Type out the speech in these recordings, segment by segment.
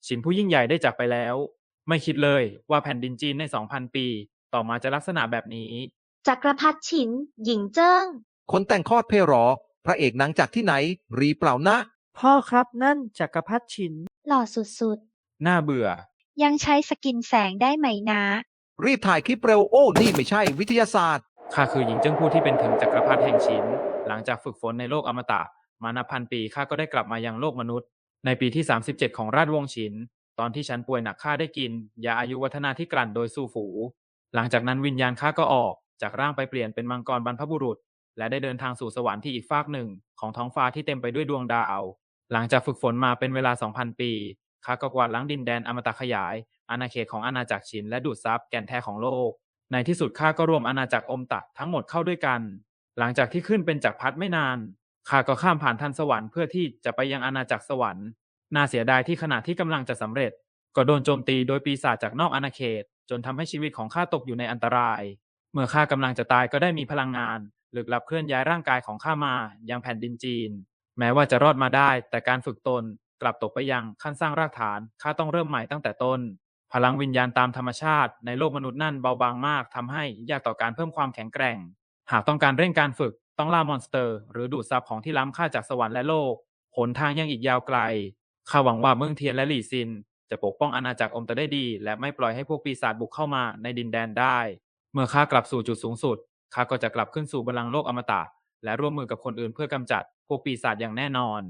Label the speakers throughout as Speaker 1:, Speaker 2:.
Speaker 1: ฉินผู้ยิ่งใหญ่ได้จากไปแล้ว ไม่คิดเลยว่าแผ่นดินจีนใน 2,000 ปีต่อมาจะลักษณะแบบนี้
Speaker 2: จักรพรรดิฉิน หญิงเจิ้ง
Speaker 3: คนแต่งคลอดเพหรอ พระเอกหนังจากที่ไหน รีเปล่านะ
Speaker 4: พ่อครับนั่นจักรพรรดิฉิน
Speaker 2: หล่อสุด
Speaker 1: น่าเบื่อ
Speaker 5: ยังใช้สกินแสงได้ไหมนะ
Speaker 3: รีบถ่ายคลิปเร็ว โอ้ นี่ไม่ใช่วิทยาศาสตร์
Speaker 1: ข้าคือหญิงเจิ้งผู้ที่เป็นถึงจักรพรรดิแห่งฉิน หลังจากฝึกฝนในโลกอมตะมานับพันปีข้าก็ได้กลับมายังโลกมนุษย์ ในปีที่ 37 ของราชวงศ์ฉิน ตอนที่ฉันป่วยหนักข้าได้กินยาอายุวัฒนาที่กลั่นโดยซูฝู หลังจากนั้นวิญญาณข้าก็ออกจากร่างไปเปลี่ยนเป็นมังกรบรรพบุรุษ และได้เดินทางสู่สวรรค์ที่อีกฟากหนึ่งของท้องฟ้าที่เต็มไปด้วยดวงดาว หลังจากฝึกฝนมาเป็นเวลา 2,000 ปีข้าก็กวาดล้างดินแดนอมตะขยายอาณาเขตของอาณาจักรฉินและดูดซับแก่นแท้ของโลก ในที่สุดข้าก็รวมอาณาจักรอมตะทั้งหมดเข้าด้วยกัน หลังจากที่ขึ้นเป็นจักรพรรดิไม่นานข้าก็ข้ามผ่านทันสวรรค์เพื่อที่จะไปยังอาณาจักรสวรรค์น่าเสียดายที่ขณะที่กำลังจะสำเร็จก็โดนโจมตีโดยปีศาจจากนอกอาณาเขตจนทำให้ชีวิตของข้าตกอยู่ในอันตรายเมื่อข้ากำลังจะตายก็ได้มีพลังงานลึกลับเคลื่อนย้ายร่างกายของข้ามายังแผ่นดินจีนแม้ว่าจะรอดมาได้แต่การฝึกตนกลับตกไปยังขั้นสร้างรากฐานข้าต้องเริ่มใหม่ตั้งแต่ต้นพลังวิญญาณตามธรรมชาติในโลกมนุษย์นั่นเบาบางมากทำให้ยากต่อการเพิ่มความแข็งแกร่งหากต้องการเร่งการฝึกต้องล่ามอนสเตอร์หรือดูดซับของที่ล้ำค่าจากสวรรค์และโลกหนทางยังอีกยาวไกลข้าหวังว่าเมืองเทียนและหลี่ซินจะปกป้องอาณาจักรอมตะได้ดีและไม่ปล่อยให้พวกปีศาจบุกเข้ามาในดินแดนได้เมื่อข้ากลับสู่จุดสูงสุดข้าก็จะกลับขึ้นสู่บัลลังก์โลกอมตะและร่วมมือกับคนอื่นเพื่อกำจัดพวกปีศาจอย่างแน่นอน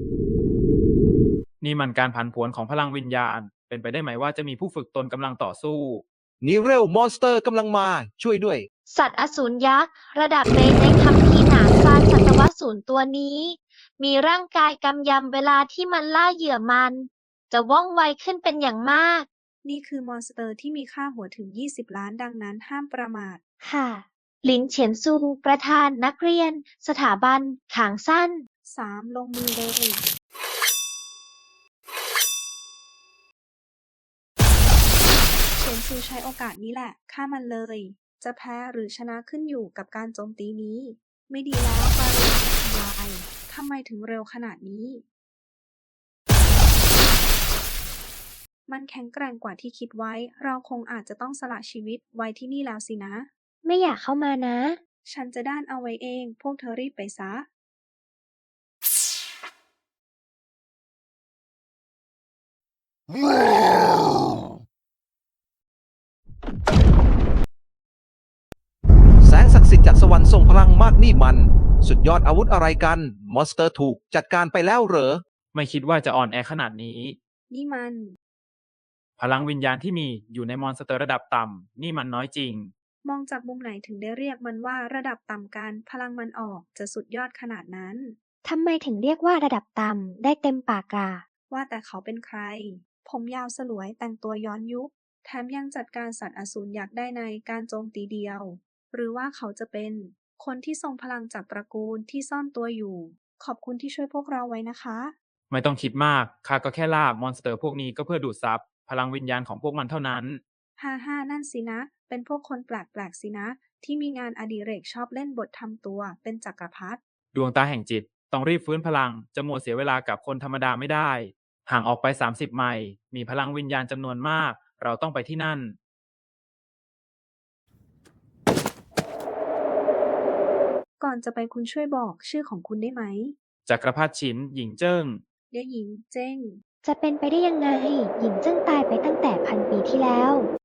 Speaker 1: นี่มันการผันผวนของพลังวิญญาณเป็นไปได้ไหมว่าจะมีผู้ฝึกตนกำลังต่อสู้
Speaker 3: นี่เร็วมอนสเตอร์กำลังมาช่วยด้วย
Speaker 2: ๆ สัตว์อสูรยักษ์ ระดับเบสในคัมภีร์หนานซานสัตวสูรตัวนี้ มีร่างกายกำยำเวลาที่มันล่าเหยื่อมัน จะว่องไวขึ้นเป็นอย่างมาก
Speaker 6: นี่คือมอนสเตอร์ที่มีค่าหัวถึง 20 ล้านดังนั้นห้ามประมาท
Speaker 2: ค่ะ หลินเฉียนซู ประธานนักเรียน สถาบัน ขางสั้น
Speaker 6: 3. ลงมือเลย เฉินซูใช้โอกาสนี้แหละฆ่ามันเลย จะแพ้หรือชนะขึ้นอยู่กับการโจมตีนี้ ไม่ดีแล้วบาเรนทำลายทำไมถึงเร็วขนาดนี้ มันแข็งแกร่งกว่าที่คิดไว้ เราคงอาจจะต้องสละชีวิตไว้ที่นี่แล้วสินะ
Speaker 2: ไม่อยากเข้ามานะ
Speaker 6: ฉันจะด้านเอาไว้เอง พวกเธอรีบไปซะ
Speaker 3: แสงศักดิ์สิทธิ์จากสวรรค์ทรงพลังมากนี่มัน สุดยอดอาวุธอะไรกัน มอนสเตอร์ถูกจัดการไปแล้วเหรอ
Speaker 1: ไม่คิดว่าจะอ่อนแอขนาดนี้
Speaker 6: นี่มัน
Speaker 1: พลังวิญญาณที่มีอยู่ในมอนสเตอร์ระดับต่ำนี่มันน้อยจริง
Speaker 6: มองจากมุมไหนถึงได้เรียกมันว่าระดับต่ำกันพลังมันออกจะสุดยอดขนาดนั้น
Speaker 2: ทำไมถึงเรียกว่าระดับต่ำได้เต็มปากกา
Speaker 6: ว่าแต่เขาเป็นใคร ผมยาวสลวยแต่งตัวย้อนยุค แถมยังจัดการสัตว์อสูรยักษ์ได้ในการโจมตีเดียว หรือว่าเขาจะเป็นคนที่ทรงพลังจากตระกูลที่ซ่อนตัวอยู่ ขอบคุณที่ช่วยพวกเราไว้นะคะ
Speaker 1: ไม่ต้องคิดมากข้าก็แค่ล่ามอนสเตอร์พวกนี้ก็เพื่อดูดซับพลังวิญญาณของพวกมันเท่านั้น
Speaker 6: ฮ่านั่นสินะ เป็นพวกคนแปลกๆสินะ ที่มีงานอดิเรกชอบเล่นบททำตัวเป็นจักรพรรดิ
Speaker 1: ดวงตาแห่งจิตต้องรีบฟื้นพลังจะมัวเสียเวลากับคนธรรมดาไม่ได้ห่างออกไป30 ไมล์มีพลังวิญญาณจำนวนมากเราต้องไปที่นั่น
Speaker 6: ก่อนจะไปคุณช่วยบอกชื่อของคุณได้ไหม
Speaker 1: จักรพรรดิฉินหญิงเจิ้ง
Speaker 6: เด็กหญิงเจ้ง
Speaker 2: จะเป็นไปได้ยังไง หญิงเจิ้งตายไปตั้งแต่1,000 ปีที่แล้ว